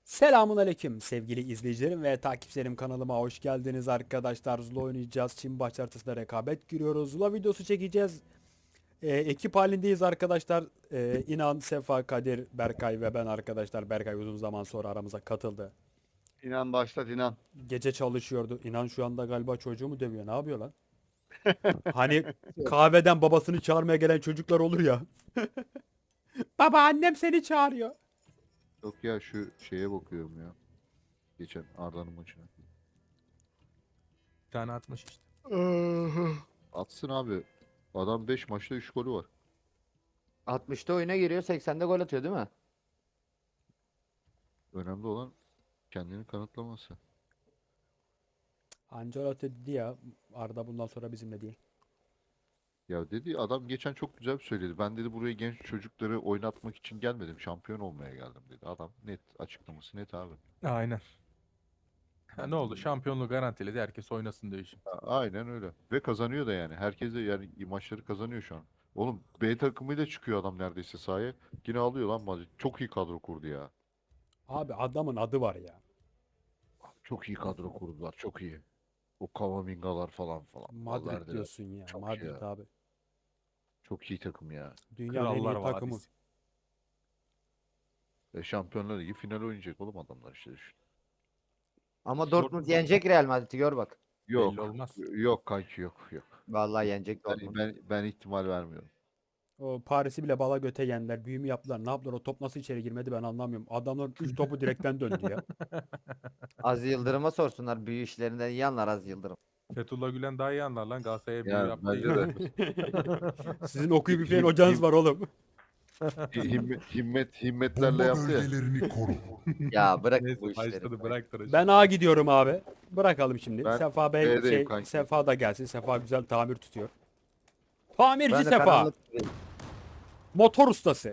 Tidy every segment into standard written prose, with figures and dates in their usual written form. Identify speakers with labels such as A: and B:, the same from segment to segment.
A: Selamun aleyküm sevgili izleyicilerim ve takipçilerim, kanalıma hoş geldiniz arkadaşlar. Zula oynayacağız. Çin baş haritasında rekabet giriyoruz. Zula videosu çekeceğiz. Ekip halindeyiz arkadaşlar. İnan, Sefa, Kadir, Berkay ve ben arkadaşlar. Berkay uzun zaman sonra aramıza katıldı.
B: İnan başlat inan.
A: Gece çalışıyordu. İnan şu anda galiba çocuğumu dövüyor. Ne yapıyor lan? Hani kahveden babasını çağırmaya gelen çocuklar olur ya. Baba, annem seni çağırıyor.
C: Yok ya şu şeye bakıyorum ya. Geçen Arda'nın maçına.
D: Bir tane atmış işte.
C: Atsın abi. Adam 5 maçta 3 golü var.
E: 60'ta oyuna giriyor, 80'de gol atıyor değil mi?
C: Önemli olan kendini kanıtlaması.
A: Ancelotti dedi ya, Arda bundan sonra bizimle değil.
C: Ya dedi adam geçen çok güzel söyledi. Ben dedi buraya genç çocukları oynatmak için gelmedim. Şampiyon olmaya geldim dedi. Adam net açıklaması net abi.
D: Aynen. Ha, ne oldu? Şampiyonluğu garantiledi. Herkes oynasın diyor şimdi.
C: Aynen öyle. Ve kazanıyor da yani. Herkes de yani maçları kazanıyor şu an. Oğlum B takımıyla çıkıyor adam neredeyse sahaya. Yine alıyor lan maçı. Çok iyi kadro kurdu ya.
A: Abi adamın adı var ya.
C: Çok iyi kadro kurdular. Çok iyi. O Kamavingalar falan falan.
A: Madrid
C: Valverde'ler.
A: diyorsun ya.
C: Çok iyi
A: Madrid
C: ya.
A: abi.
C: Çok iyi takım ya.
A: Dünyanın en
D: Krallar
A: iyi takımı.
D: Vadisi.
C: Şampiyonlar Ligi final oynayacak oğlum adamlar işte. Düşün.
E: Ama Dortmund yenecek Real Madrid'i, gör bak.
C: Yok.
D: Belli olmaz.
C: Yok kanki yok yok.
E: Vallahi yenecek
C: Ben,
E: Dortmund.
C: ben ihtimal vermiyorum.
A: O Paris'i bile bala göte yendiler. Büyümü yaptılar. Ne yaptılar? O top nasıl içeri girmedi ben anlamıyorum. Adamlar 3 topu direkten döndü ya.
E: Aziz Yıldırım'a sorsunlar, büyü işlerinden iyi anlar Aziz Yıldırım.
D: Fethullah Gülen daha iyi anlar lan. Galatasaray'a büyü
C: Ya
D: yaptı.
C: bence de.
A: Sizin okuyup üfleyen hocanız var oğlum.
C: Himmetlerle
F: Bomba
C: yaptı ya.
F: bölgelerini koru.
E: Ya bırak bu
D: Neyse
E: işleri.
D: başladı bırak tıraşı.
A: Ben A gidiyorum abi. Bırakalım şimdi.
C: Ben
A: Sefa Bey
C: B'deyim kanki.
A: Sefa da gelsin. Sefa güzel tamir tutuyor. Tamirci
E: Ben de
A: Sefa.
E: karanlık.
A: Motor ustası.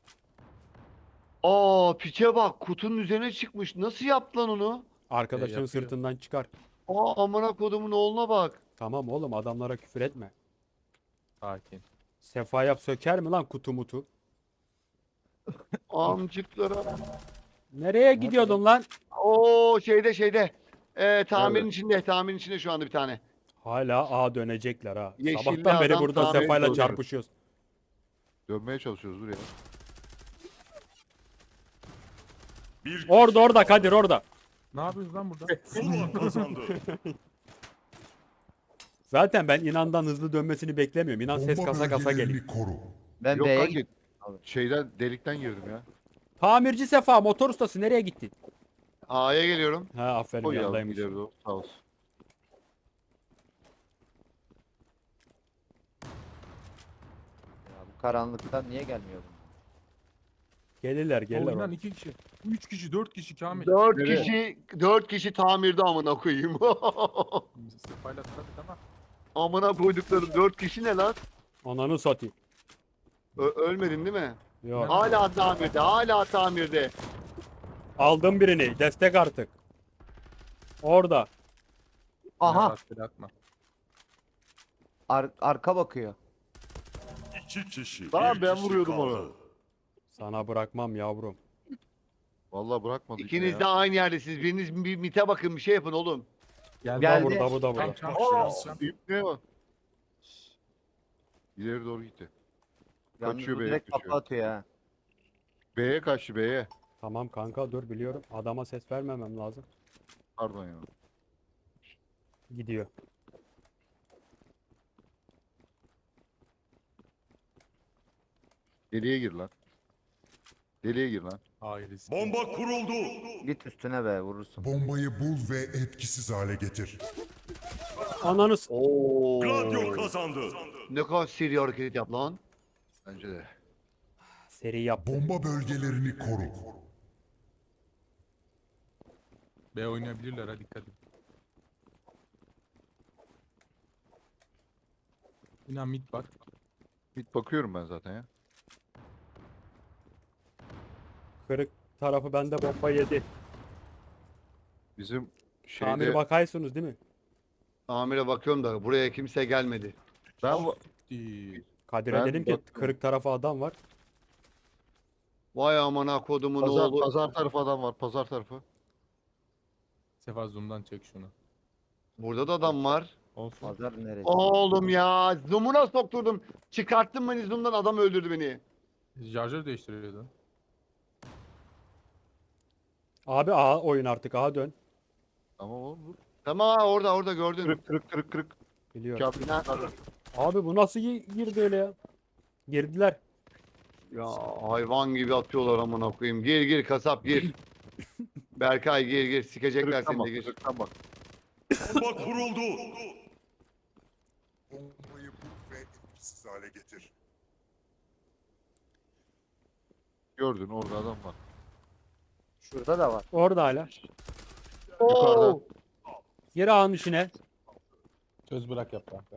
B: Aa piçe bak, kutunun üzerine çıkmış. Nasıl yaptı lan onu?
A: Arkadaşının
D: yapıyor.
A: sırtından çıkar.
B: Aa amına kodumun oğluna bak.
A: Tamam oğlum, adamlara küfür etme.
D: Sakin.
A: Sefa yap söker mi lan kutu mutu?
B: Amcıklara.
A: Nereye gidiyordun lan?
B: Oo şeyde. Tamirin
C: Nerede?
B: içinde, tamirin içinde şu anda bir tane.
A: Hala A dönecekler ha.
B: Yeşilli
A: Sabahtan beri
B: adam
A: burada
B: tamir
A: Sefa'yla
C: ediyor.
A: çarpışıyoruz.
C: Dönmeye çalışıyoruz dur ya.
A: Orada Kadir orada.
D: Ne yapıyoruz lan burada?
A: Zaten ben İnan'dan hızlı dönmesini beklemiyorum. İnan ses
F: Bomba
A: kasa kasa geliyor.
F: bölgelerini koru.
E: Ben
C: Yok
E: B'ye
C: kanki.
E: gittim.
C: Şeyden delikten girdim ya.
A: Tamirci Sefa, motor ustası, nereye gittin?
B: A'ya geliyorum.
A: Ha aferin,
C: O ya
A: yanındaymış.
C: ileri doğru sağ olsun.
E: Ya bu karanlıktan niye gelmiyor bu?
A: Gelirler
D: Oynan
A: oğlum.
D: 2 kişi. 3 kişi 4 kişi Kamil.
B: 4
C: Nereye?
B: kişi 4 kişi tamirde amına koyayım.
D: Sefayla tıradık ama.
B: Amına koydukları 4 kişi ne lan?
A: Ananı satayım.
B: Ölmedin değil mi?
A: Yok.
B: Hala tamirde, hala tamirde.
A: Aldım birini. Destek artık. Orada.
E: Aha,
D: Rastgele atma.
E: arka bakıyor.
G: İki kişi.
C: Lan
G: bir
C: ben
G: kişi
C: vuruyordum
G: kaldı.
C: onu.
A: Sana bırakmam yavrum.
C: Vallahi bırakmadı yine
B: İkiniz
C: ya.
B: de aynı yerdesiniz. Biriniz bir mite bakın, bir şey yapın oğlum.
D: Geldi.
E: Geldi.
A: Burada bu da
D: Tam
A: burada.
D: çarp
C: Aa,
D: şurası.
C: İpneye bak. İleri doğru gitti.
E: Yalnız
C: Kaçıyor
E: bu
C: B'ye
E: direkt
C: kaçıyor.
E: kafa atıyor ha.
C: B'ye kaçtı B'ye.
A: Tamam kanka dur, biliyorum. Adama ses vermemem lazım.
C: Pardon ya.
A: Gidiyor.
C: Deliğe gir lan. Deliğe gir lan.
D: Hayır risk.
G: Bomba kuruldu.
E: Git üstüne be, vurursun.
F: Bombayı bul ve etkisiz hale getir.
A: Ananı
B: Oo.
G: Gladio kazandı.
B: Ne kadar seri hareket yap lan.
C: Bence de.
A: seri yaptı.
F: Bomba bölgelerini koru.
D: B oynayabilirler ha, dikkat edin. İnan mid var.
C: Mid bakıyorum ben zaten ya.
A: Kırık tarafı bende, bomba yedi.
C: Bizim
A: Tamir
C: şeyde
A: bakaysınız değil mi?
B: Tamire bakıyorum da buraya kimse gelmedi.
C: ben
D: Değil.
A: Kadir'e
C: Ben
A: dedim ki
C: baktım.
A: kırık tarafı adam var.
B: Vay amına kodumun
C: Pazar,
B: oğlu.
C: pazar tarafı adam var. Pazar tarafı.
D: Sefa zoom'dan çek şunu.
B: Burada da adam var.
D: Olsun.
E: Pazar neresi?
B: Oğlum ya. Zoom'una sokturdum. Çıkarttım beni zoom'dan, adam öldürdü beni.
D: Şarjör değiştiriyordun.
A: Abi A oyun artık, A dön.
C: Tamam oğlum dur.
B: Tamam ha, orada gördün.
C: Kırık kırık kırık kırık.
A: Biliyorum.
C: Kamil.
A: Abi bu nasıl girdi öyle ya? Girdiler.
B: Ya hayvan gibi atıyorlar amına koyayım. Gir gir kasap gir. Berkay gir gir. Sikecekler
C: Kırıktan
B: seni
C: bak.
B: de gir.
C: Kırıktan bak.
G: Bomba kuruldu.
F: Bombayı bul ve etkisiz hale getir.
C: Gördün orada adam var.
E: Şurada da var.
A: Orada hala.
C: Yukarıda.
A: Geri A'nın içine.
D: Çöz bırak yap kanka.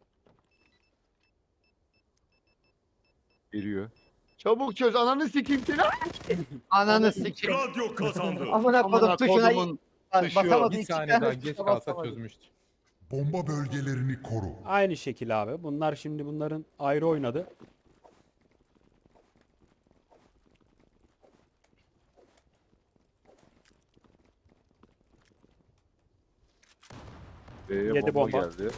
C: Geliyor.
B: Çabuk çöz, ananı sikeyim seni.
E: Ananı sikeyim.
G: Radyo kazandı.
E: Amına kodum
B: Amına
E: tuşuna
B: kodumun tuşu.
E: basamadı.
D: Bir
E: iki
D: saniye
E: tane
D: daha
E: tuşa
D: geç kalsa
E: basamadı.
D: çözmüştü.
F: Bomba bölgelerini koru.
A: Aynı şekil abi. Bunlar şimdi bunların ayrı oynadı.
C: B'ye
A: Yedi
C: bomba
A: bomba.
C: geldi.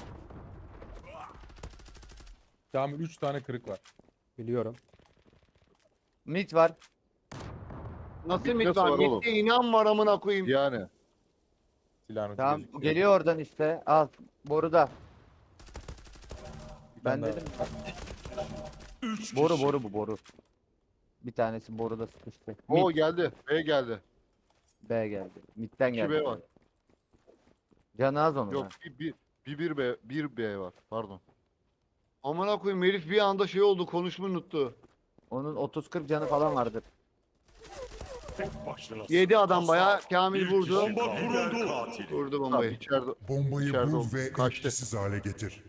D: Kamil 3 tane kırık var.
A: Biliyorum.
E: Mid var.
B: Nasıl
C: Bir
B: mit
C: nasıl
B: var?
C: var oğlum?
B: Mitte inan var amına koyayım.
C: Yani.
D: Silahın ucu
E: Tamam
D: gözüküyor.
E: geliyor oradan işte. Al boruda.
D: Bir
E: Ben
D: tane
E: dedim.
G: Üç
E: Boru
G: kişi.
E: boru bu boru. Bir tanesi boruda sıkıştı.
C: O
E: Mid
C: geldi. B geldi.
E: B geldi. Mid'den
C: 2
E: geldi.
C: B var.
E: Canı az onun.
C: Yok
E: ha.
C: bir B, bir B var. Pardon.
B: Amına koyayım, herif bir anda şey oldu, konuşmayı unuttu.
E: Onun 30-40 canı falan vardır.
G: Tek başına.
B: Yedi adam bayağı. Kamil
G: Bir
B: vurdu.
G: kişi kaldı. Katili.
B: Vurdu
C: Tamam
B: bombayı.
C: içeride.
F: Bombayı
C: İçeride
F: bul
C: oldu.
F: ve
C: Kaçtı.
F: etkisiz hale getir.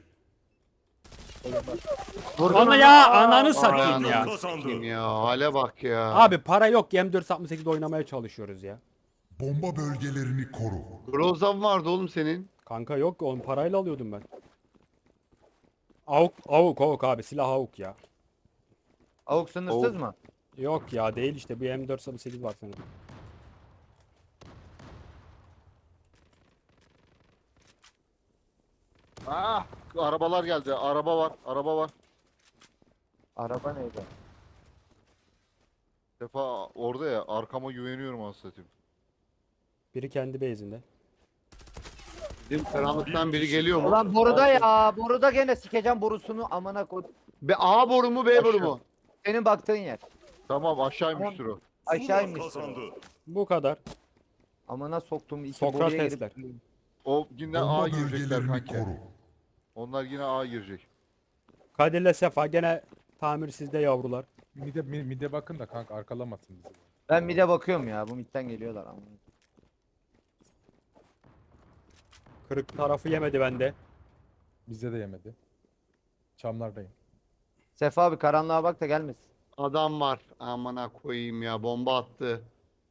A: Onu ya ananı satayım
B: Ananı
A: ya.
G: Kazandı.
B: sikeyim ya. Hale bak ya.
A: Abi para yok. M468 oynamaya çalışıyoruz ya.
F: Bomba bölgelerini koru.
B: Grozan vardı oğlum senin.
A: Kanka yok, onu parayla alıyordum ben. Avuk abi, silah avuk ya.
E: Avuk sınırsız
C: Avuk.
E: mı?
A: Yok ya, değil işte, bir M468 var senin.
C: Ah, arabalar geldi. Araba var. Araba var.
E: Araba neydi?
C: Defa orada ya. Arkama güveniyorum anasını satayım.
A: Biri kendi base'inde.
B: Bizim karanlıktan biri geliyor mu?
E: Ulan boruda ya. Boruda gene sikeceğim borusunu amına koy.
B: A boru mu B boru
C: Aşağı.
B: mu?
E: Senin baktığın yer.
C: Tamam aşağıymıştır o.
E: Aşağı
G: Zula
E: inmiş.
G: kazandı.
A: Bu kadar.
E: Amına soktum iki
A: Sokrat
E: boruya
A: sesler.
E: girip.
C: O yine A
F: Bomba
C: girecekler
F: bölgelerini
C: kanki.
F: koru.
C: Onlar yine A girecek.
A: Kadir'le Sefa gene tamir sizde yavrular.
D: Mide bakın da kanka arkalamasın bizi.
E: Ben mid'e bakıyorum ya. Bu mid'den geliyorlar ama.
A: Kırık tarafı yemedi bende.
D: Bizde de yemedi. Çamlardayım.
E: Sefa abi karanlığa bak da gelmesin.
B: Adam var. Amına koyayım ya, bomba attı.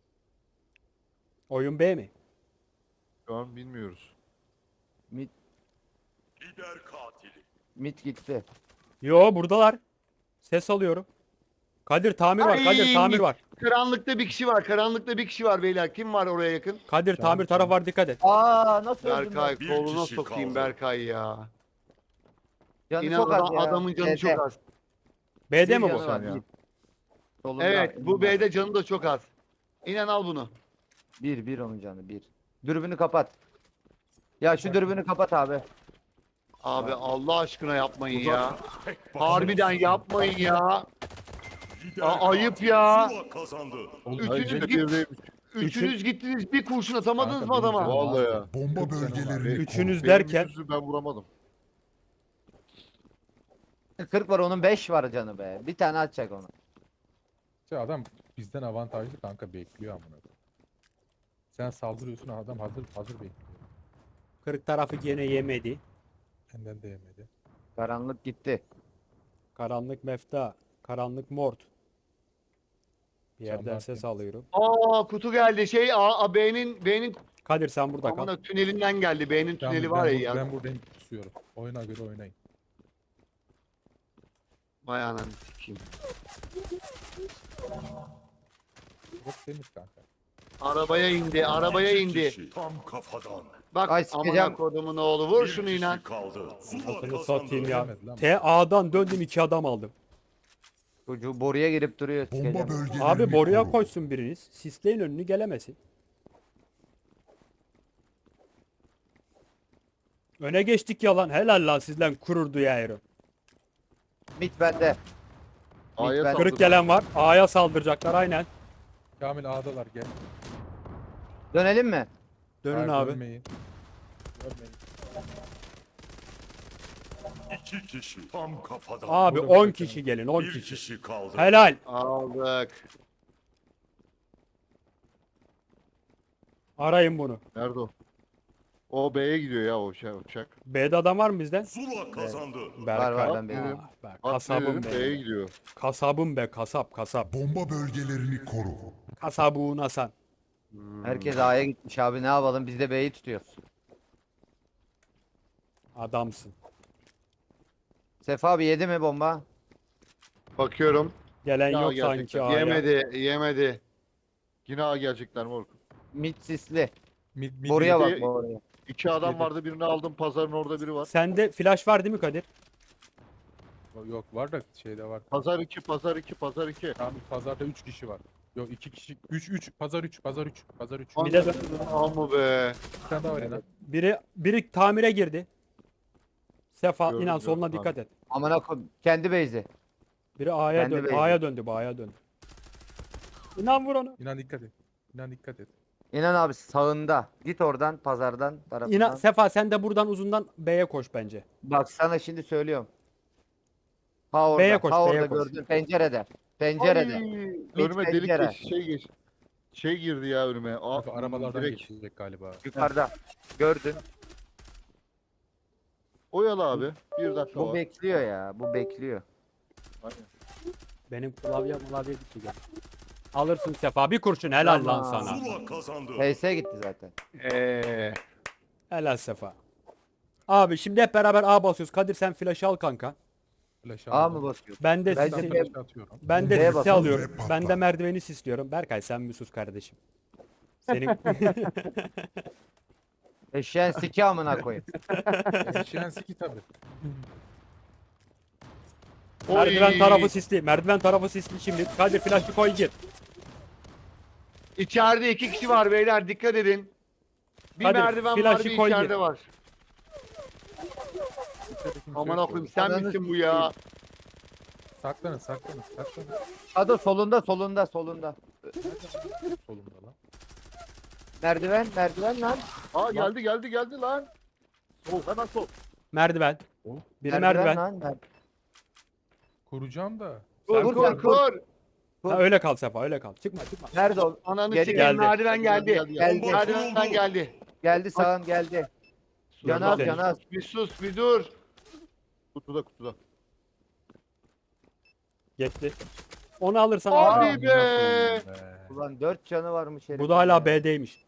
A: Oyun B mi?
C: Şu an bilmiyoruz.
E: Mid,
G: Lider katili.
E: mid gitti.
A: Yo, buradalar. Ses alıyorum. Kadir tamir var. Kadir
B: Ay!
A: tamir var.
B: Karanlıkta bir kişi var. Karanlıkta bir kişi var beyler. Kim var oraya yakın?
A: Kadir tamir taraf var, dikkat et.
E: Aa nasıl öldün
B: Berkay,
E: lan?
G: Bir
B: koluna
G: kişi
B: sokayım
G: kaldı.
B: Berkay ya.
E: Canı
B: İnan
E: çok az ya.
B: adamın canı çok az.
A: B'de
E: Bir
A: mi bu?
E: canı var,
C: Sen ya.
E: bir. Solunda,
B: Evet, bu
E: önünde.
B: B'de canı da çok az. İnan al bunu.
E: Bir onun canı bir. Dürbünü kapat. Ya şu dürbünü kapat abi.
B: Abi Allah aşkına yapmayın ya.
G: Tek başına.
B: Harbiden yapmayın ya.
G: Lider
B: ayıp
G: katili
B: ya.
G: Zula kazandı.
D: Oğlum,
B: Üçüncü
C: Üçüncü
B: git-
C: birdeymiş.
B: Üçünüz gittiniz, bir kurşun atamadınız
D: Kanka,
B: mı adama?
D: benim canım-
C: Vallahi ya.
F: Bomba
D: 40 canım var.
F: bölgelerini koru.
A: Üçünüz
C: Benim
A: derken
C: yüzü ben vuramadım.
E: 40 var onun 5 var canı be. Bir tane atacak onu.
D: Şey, adam bizden avantajlı kanka bekliyor amına koyayım. Sen saldırıyorsun adam hazır bekliyor.
A: kırık tarafı gene yemedi.
D: Benden de yemedi.
E: Karanlık gitti.
A: Karanlık mefta. Karanlık mort. Bir yerden
D: Camlar
A: ses
D: temiz.
A: alıyorum.
B: Aa, kutu geldi. B'nin
A: Kadir sen burada kal.
B: amına tünelinden geldi. B'nin
D: Tamam,
B: tüneli var ya.
D: ben buradayım tutuyorum. Oyuna göre oynayın.
B: Vay ananı sikeyim.
D: Burası temiz kanka.
B: Arabaya indi, arabaya
G: İki
B: indi.
G: kişi Tam kafadan.
B: Bak
E: Ay,
B: amına
E: sikeceğim.
B: kodumun oğlu vur
G: Bir
B: şunu
G: kişi
B: inan.
G: kaldı. Zula
A: Anasını
G: kazandı.
A: satayım ya.
D: Göremedi lan.
A: TA'dan döndüm 2 adam aldım.
E: Çocuğu boruya girip duruyor.
F: Bomba
E: sikeceğim.
F: bölgelerini
A: Abi boruya
F: koru.
A: koysun biriniz. Sisleyin önünü gelemesin. Öne geçtik yalan. Helal lan sizden kururdu ya Ero.
E: Mit bende.
C: A'ya
E: ben-
C: saldır.
A: Kırık gelen var. A'ya saldıracaklar aynen.
D: Kamil A'dalar gel.
E: Dönelim mi?
A: Dönün
D: Hayır,
A: abi.
D: dönmeyin. Dönmeyin.
G: İki kişi tam kafadan.
A: Abi
D: Burada
A: 10
D: bir
A: kişi gelin 10
G: Bir
A: kişi.
G: kişi kaldı.
A: Helal.
B: Aldık.
A: Arayın bunu.
C: Nerede o? O B'ye gidiyor ya o şey uçak.
A: B'de adam var mı bizden?
G: Zula kazandı.
A: Berkay.
E: var, ben
C: benim.
A: Ah be,
C: At
A: kasabım
C: dedim, B'ye
A: be.
C: gidiyor.
A: Kasabım be kasap kasap.
F: Bomba bölgelerini koru.
A: Kasabuğun Hasan.
E: Herkes A'ya gitmiş abi ne yapalım biz de B'yi tutuyoruz.
A: Adamsın.
E: Sefa abi yedi mi bomba?
B: Bakıyorum.
A: Gelen
C: Ya
A: yok
C: gerçekten.
A: sanki A'ya.
B: Yemedi, yemedi.
C: Yine A gelecekler moruk.
E: Mit sisli.
D: Mid,
E: Boruya
C: bir
E: bak
C: de-
E: boruya.
C: 2 adam
D: Yedi.
C: vardı birini aldım pazarın orada biri var.
A: Sende flash var değil mi Kadir?
D: Yok var da şeyde var.
C: Pazar 2 pazar 2 pazar 2.
D: Kamil pazarda 3 kişi var. Yok 2 kişi. 3 pazar 3 pazar 3 pazar 3.
A: Bir de dön.
B: Amma be.
D: Bir tane daha var ya.
A: Biri tamire girdi. Sefa
C: Gördüm,
A: inan
C: gördüm
A: soluna
C: abi.
A: dikkat et.
E: Amına koyayım. Kendi base'i.
A: Biri A'ya
E: Kendi
A: döndü.
E: beyzi.
A: A'ya döndü bu A'ya döndü. İnan vur onu.
D: İnan dikkat et. İnan dikkat et.
E: İnan abi sağında. Git oradan pazardan tarafından.
A: İnan Sefa sen de buradan uzundan B'ye koş bence.
E: Bak sana şimdi söylüyorum. Ha
A: B'ye
E: orada,
A: koş,
E: ha
A: B'ye
E: orada
A: koş.
E: gördün pencerede. Pencerede.
C: Önüme delik
E: pencere.
C: geç, şey geç. Şey girdi ya önüme.
D: Kanka arabalardan
C: direkt.
D: geçecek galiba.
E: Yukarıda. Gördün.
C: Oyalı abi. 1 dakika
E: Bu
C: var.
E: bekliyor ya. Bu bekliyor.
C: Aynen.
A: Benim klavye gitti gel. Alırsın Sefa bir kurşun helal lan
E: Tamam.
A: sana.
G: Zula kazandı.
E: PS gitti zaten.
A: Helal Sefa. Abi şimdi hep beraber A basıyoruz. Kadir sen flash al kanka.
D: Flash
E: A
D: aldım.
E: mı basıyor?
A: Ben de
E: Ben
A: sisi,
E: de
D: Flash atıyorum.
A: ben de
E: B'ye
A: sisi
E: basalım.
A: alıyorum.
F: Ve
A: Ben de
F: patlat.
A: merdiveni sisliyorum. Berkay sen bir sus kardeşim. Senin
E: Eşeğin siki amına koyayım.
D: Eşeğen siki tabi.
A: merdiven
B: Oy.
A: tarafı sisli. Merdiven tarafı sisli şimdi. Kadir flash'ı koy gir.
B: İçeride 2 kişi var beyler dikkat edin. Bir
A: Hadi,
B: merdiven var
A: flaşı
B: bir
A: koy
B: içeride
A: gir.
B: var. Aman koyayım sen
E: Ananı
B: misin bu ya?
D: Saklanın saklanın saklanın.
E: Adı solunda solunda solunda.
D: Solumda lan.
E: Merdiven lan.
C: Aa geldi lan. Sol hemen sol.
A: Merdiven.
D: Oh.
A: Biri merdiven.
E: Lan.
D: Kuracağım da.
B: Kur
E: Sen
B: kur
E: kur.
B: kur.
A: Ha, öyle kal Sefa öyle kal. Çıkma çıkma.
E: Nerede o?
B: Ananı
E: Gel-
B: sikeyim
A: geldi.
B: merdiven geldi.
E: Geldi.
B: Merdivenden geldi.
E: Geldi sağın geldi. Canaz
A: Güzel.
E: canaz.
B: Bir sus bir dur.
C: Kutuda.
A: Geçti. Onu alırsan
B: Abi
A: Aa,
B: be.
E: Ulan 4 canı varmış herifin
A: bu da hala
E: ya.
A: B'deymiş.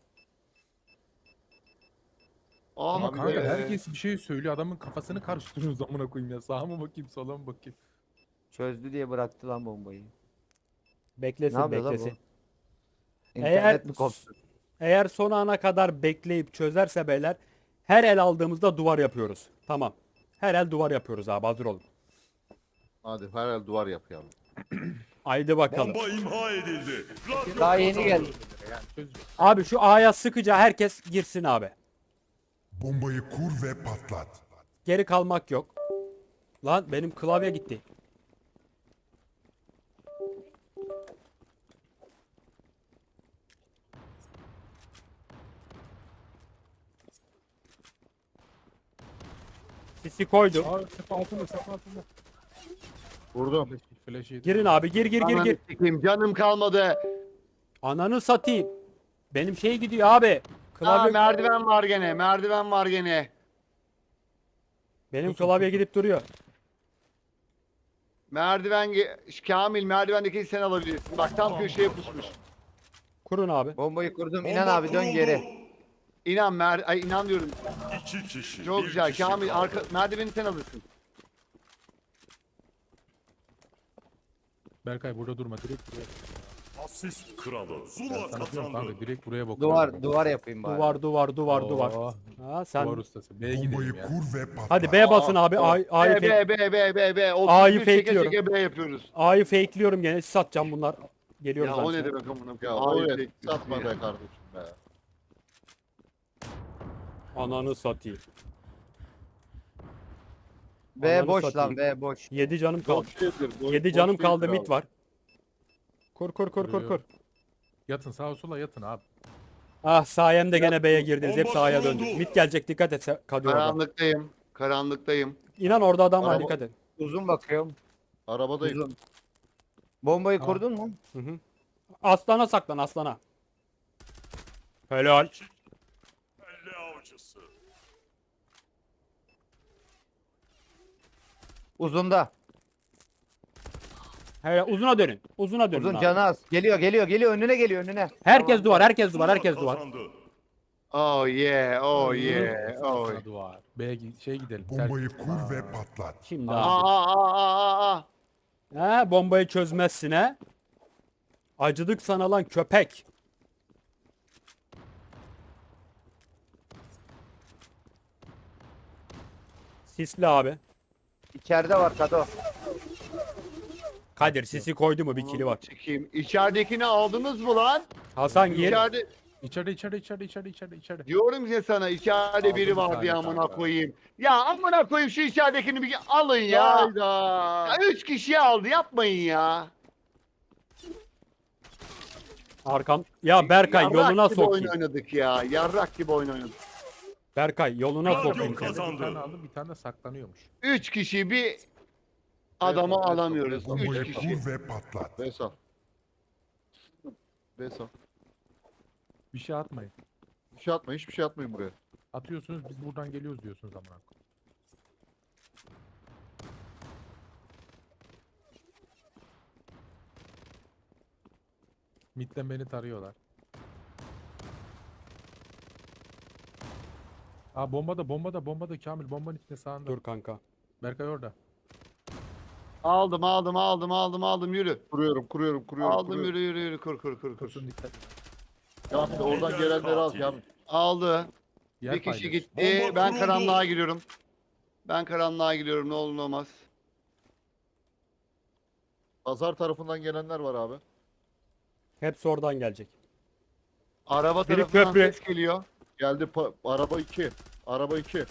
D: Ama
B: Abi
D: kanka
B: be.
D: herkes bir şey söylüyor. Adamın kafasını karıştırıyorsunuz amına koyayım ya. Sağa mı bakayım sola mı bakayım.
E: Çözdü diye bıraktı lan bombayı. Ne
A: Beklesin
E: yapıyor lan bu?
A: beklesin.
E: İnternet mi koptu?
A: Eğer son ana kadar bekleyip çözerse beyler her el aldığımızda duvar yapıyoruz. Tamam. Her el duvar yapıyoruz abi hazır olun.
C: Hadi herhalde duvar yap ya.
A: Haydi bakalım.
G: Bomba imha edildi. Radyo
E: Daha yeni
G: kazandı.
E: geldi.
D: Çözeceğiz.
A: Abi şu A'ya sıkıca herkes girsin abi.
F: Bombayı kur ve patlat.
A: Geri kalmak yok. Lan benim klavye gitti. Sisi koydum.
D: Aa sefa altında sefa altında.
C: Vurdum.
D: Flash yedi.
A: Girin abi gir.
B: Ananı sikeyim canım kalmadı.
A: Ananı satayım. Benim şey gidiyor abi.
B: Aa,
A: Klavye
B: merdiven var gene merdiven var gene.
A: benim klavye gidip duruyor.
B: Kamil merdivendeki sen alabilirsin. Bak tam köşeye pusmuş.
A: Kurun abi.
E: Bombayı kurdum.
G: Bomba
E: İnan abi dön
G: kuruldu.
E: geri.
B: İnan diyorum.
G: İki kişi.
B: Çok
G: bir
B: güzel.
G: kişi
B: Kamil
G: kaldı.
B: merdiveni sen alırsın.
D: Berkay burada durma direkt buraya.
G: Asist kralı.
D: Ben
G: Zula
D: sana diyorum
G: kazandı.
D: kanka direkt buraya bakıyorum.
E: Duvar yapayım bari.
A: Duvar.
D: Oo,
A: Ha sen.
D: Duvar ustası. B'ye
F: Bombayı
D: gidelim ya.
F: kur ve patlat.
A: Hadi B basın abi. A'yı fake.
B: B.
A: A'yı
B: 31 çeke
A: fakeliyorum.
B: çeke B yapıyoruz.
A: A'yı fakeliyorum gene. Siz atacağım bunlar. Geliyoruz
B: Ya o
A: abi.
B: ne demek amına
C: Ya
B: koyayım?
C: o
B: A'yı
C: evet.
B: bekliyoruz
C: Satma
B: ya.
C: be kardeşim be.
A: Ananı satayım.
E: B
A: Ananı
E: boş
A: satayım.
E: lan B boş.
A: 7 canım kaldı.
C: Boş değildir.
A: 7 canım
C: boş
A: kaldı
C: değildir
A: mid
C: abi.
A: var. Kur.
D: Kuruyorum. Yatın sağa sola yatın abi.
A: Ah sayemde gene B'ye girdiniz. Hep
G: Bomba
A: sahaya
G: kuruldu.
A: döndük. Mid gelecek dikkat et Kadir orada.
B: Karanlıktayım.
A: İnan orada adam var
C: Araba-
A: dikkat et.
E: Uzun bakıyorum.
C: Arabadayım.
E: Uzun. Bombayı
D: Tamam.
E: kurdun mu?
A: Hı hı. Aslana saklan aslana. Helal.
G: Elle avcısı.
E: Uzunda.
A: Helal uzuna dönün. Uzuna dönün
E: Uzun
A: abi.
E: canı az. Geliyor önüne geliyor önüne.
A: Herkes duvar, herkes
G: Zula
A: duvar, herkes duvar.
G: kazandı.
B: Oh yeah.
D: Sana duvar. B'ye gidelim.
F: Bombayı
D: ters.
F: kur ve patlat.
A: Şimdi
B: Aa
A: abi.
B: aa aa.
A: He, bombayı çözmezsin he. Acıdık sana lan köpek. Sisli abi.
E: İçeride var Kado.
A: Kadir sisi koydu mu bir kili var.
B: Çekeyim. İçeridekini aldınız mı lan?
A: Hasan gir.
B: İçeride
D: İçeride.
B: diyorum ya sana içeride
D: Aldım
B: biri
D: bir
B: var
D: tane
B: diye amına
D: kanka.
B: koyayım. Ya amına koyayım şu içeridekini bir alın ya.
C: Hayda.
B: Ya 3 kişi aldı yapmayın ya.
A: Arkam. Ya Berkay
B: Yarrak
A: yoluna
B: gibi oyun
A: sokayım.
B: oynadık ya. Yarrak gibi oyun oynadık.
A: Berkay yoluna
G: Radyo
A: sokayım.
G: kazandı.
A: seni.
D: Bir tane aldım bir tane de saklanıyormuş.
B: 3 kişi bir adamı
C: Evet,
B: alamıyoruz.
C: evet,
B: 3
F: Bombayı
B: kişi.
F: kur ve patlat.
C: Besal. Besal.
D: Bir şey atmayın.
C: Bir şey atma. Hiçbir şey atmayın buraya.
D: Atıyorsunuz biz buradan geliyoruz diyorsunuz amına koyayım. Mid'den beni tarıyorlar. Aa bombada Kamil bombanın içinde sağında.
A: Dur kanka.
D: Berkay orada.
B: Aldım yürü.
C: Kuruyorum.
B: Aldım yürü kur.
D: Kursun dikkat.
C: Ya oradan gelenleri al ya.
B: Aldı.
D: Yer
B: Bir kişi
D: paylaş.
B: gitti.
G: Bomba
B: Ben
G: kuruldu.
B: karanlığa giriyorum. Ben karanlığa giriyorum ne olur ne olmaz.
C: Pazar tarafından gelenler var abi.
A: Hepsi oradan gelecek.
B: Araba
A: Biri
B: tarafından
A: köprü.
B: ses geliyor.
C: Geldi araba 2. Araba 2.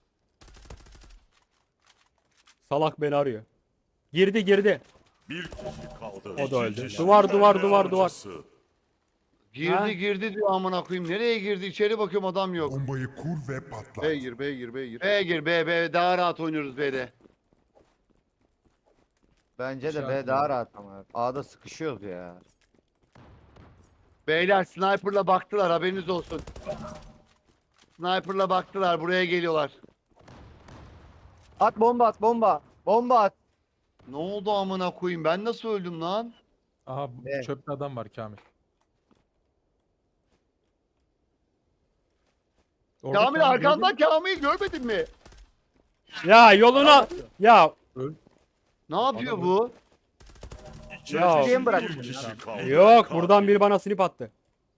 A: Salak beni arıyor. Girdi.
G: Bir kişi kaldı.
A: O da
G: İki
A: öldü.
G: kişi.
A: Duvar.
G: Elle avcısı.
B: Girdi diyor amına koyayım. Nereye girdi? İçeri bakıyorum adam yok.
F: Bombayı kur ve patlat.
C: B gir.
B: B'ye gir B daha rahat oynuyoruz B'de.
E: Bence de
D: Şey
E: B
D: atmayın.
E: daha rahat ama. A'da sıkışıyoruz ya.
B: Beyler sniper'la baktılar haberiniz olsun. Sniper'la baktılar buraya geliyorlar.
E: At bomba. Bomba at.
B: Ne oldu amına koyayım ben nasıl öldüm lan?
D: Aha
E: Evet.
D: çöpte adam var Kamil. Orada
B: Kamil arkandan Kamil görmedin mi?
A: Ya yoluna. Ya
B: Ne yapıyor
D: Adam-
B: bu?
A: Ya.
G: İçeride
E: bırak.
G: bir kişi kaldı.
A: yok buradan biri bana snip attı.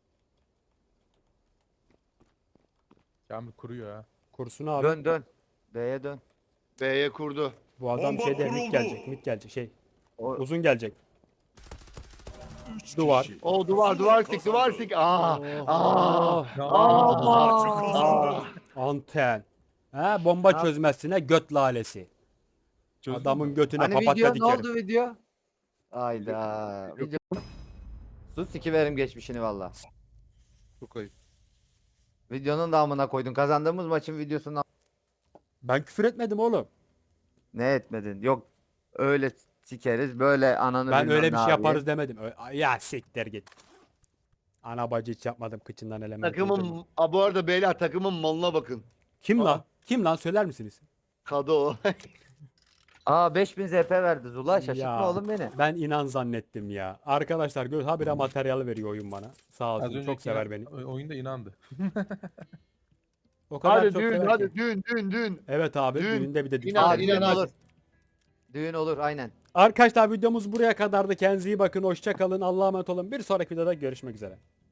D: Kamil kuruyor ha.
A: Kursun abi.
E: Dön. B'ye dön.
B: B'ye kurdu.
A: Bu adam
G: Bomba
A: şeyde
G: kuruldu.
A: mid gelecek şey.
E: O,
A: Uzun gelecek.
G: Üç
A: Duvar.
G: kişi.
B: O duvar
G: Zula
B: sik
G: kazandı.
B: Aa.
G: Maçı kazandı.
A: Anten. Ha bomba çözmezsine göt lalesi.
D: Çözdün
A: Adamın
D: mü?
A: götüne
E: Hani
A: papatya
E: video ne
A: dikerim.
E: oldu video? Ayda. Video. Sus sikiverim geçmişini valla.
C: Çok ayıp.
E: Videonun da amına koydun. Kazandığımız maçın videosunu
A: Ben küfür etmedim oğlum.
E: ne etmedin? Yok öyle sikeriz böyle ananı
A: Ben
E: bilmem
A: öyle bir
E: ne
A: şey
E: abi.
A: yaparız demedim. Ya siktir git. Ana bacı hiç yapmadım kıçından element. uydurma.
B: Takımın bu arada beyler takımın malına bakın.
A: Kim
D: Aa.
A: lan? Kim lan söyler misiniz?
B: Kado.
E: Aa 5000 ZP verdi Zula şaşırtma
A: Ya.
E: oğlum beni.
A: Ben inan zannettim ya. Arkadaşlar habire materyal veriyor oyun bana. Sağ
D: Az
A: olsun çok
D: önceki
A: sever beni.
D: oyunda inandı.
A: O kadar
B: Hadi
A: çok
B: dün
A: sever
B: hadi
A: ki.
B: dün.
A: Evet abi
B: Dün.
A: düğünde bir de
B: İnan,
E: Aa,
B: inan,
E: dün olur. Düğün olur aynen.
A: Arkadaşlar videomuz buraya kadardı. Kendinize iyi bakın. Hoşça kalın. Allah'a emanet olun. Bir sonraki videoda görüşmek üzere.